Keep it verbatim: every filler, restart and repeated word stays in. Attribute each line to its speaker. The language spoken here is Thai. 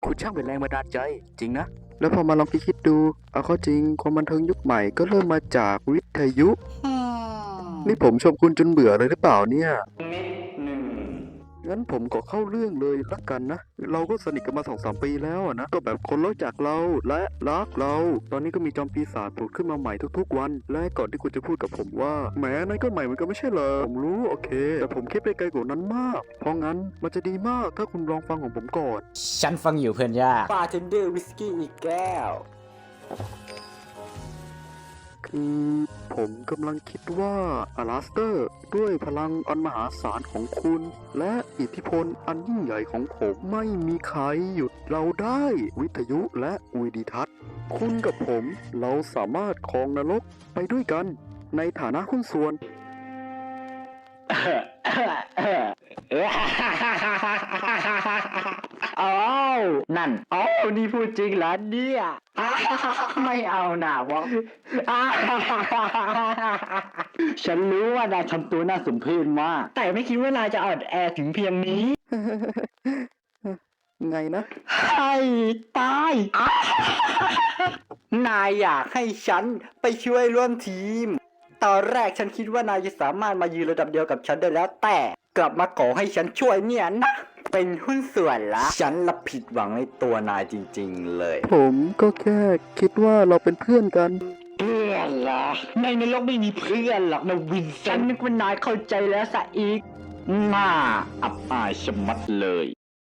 Speaker 1: คุณช่างเป็นแรงบันดาลใจจริงนะ
Speaker 2: แล้วพอมาลองคิดดูเอาเข้าจริงความบันเทิงยุคใหม่ก็เริ่มมาจากวิทยุนี่ผมชมคุณจนเบื่อเลยหรือเปล่าเนี่ยงั้นผมก็เข้าเรื่องเลยละกันนะเราก็สนิทกันมาสองสามปีแล้วนะก็แบบคนรู้จักเราและรักเราตอนนี้ก็มีจอมปีศาจผุดขึ้นมาใหม่ทุกๆวันและก่อนที่คุณจะพูดกับผมว่าแหมนั่นก็ใหม่เหมือนกันไม่ใช่เหรอผมรู้โอเคแต่ผมคิดไปไกลกว่านั้นมากเพราะงั้นมันจะดีมากถ้าคุณลองฟังของผมก่อน
Speaker 3: ฉันฟังอยู่เพื่อนยาก
Speaker 1: บาร์เทนเดอร์วิสกี้อีกแก้ว
Speaker 2: คือผมกำลังคิดว่าอลาสเตอร์ด้วยพลังอันมหาศาลของคุณ และอิทธิพลอันยิ่งใหญ่ของผมไม่มีใครหยุดเราได้วิทยุและวิดิทัศน์คุณกับผมเราสามารถครองนรกไปด้วยกันในฐานะหุ้นส่วน
Speaker 1: อ้าวนั่นอ้าวนี่พูดจริงเหรอเนี่ยไม่เอาหน่าวะฉันรู้ว่านายทำตัวน่าสมเพชมากแต่ไม่คิดว่านายจะอ่อนแอถึงเพียงนี้
Speaker 2: ไงนะ
Speaker 1: ให้ตายนายอยากให้ฉันไปช่วยร่วมทีม ตอนแรกฉันคิดว่านายจะสามารถมายืนระดับเดียวกับฉันได้แล้วแต่กลับมาขอให้ฉันช่วยเนี่ยนะ เป็นหุ้นส่วนละ ฉันละผิดหวังในตัวนายจริงๆเลย
Speaker 2: ผมก็แค่คิดว่าเราเป็นเพื่อนกัน
Speaker 1: เพื่อนเหรอในในโลกไม่มีเพื่อนหรอกนะวินฉันนึกว่านายเข้าใจแล้วซะอีกน่าอับอายชะมัดเลย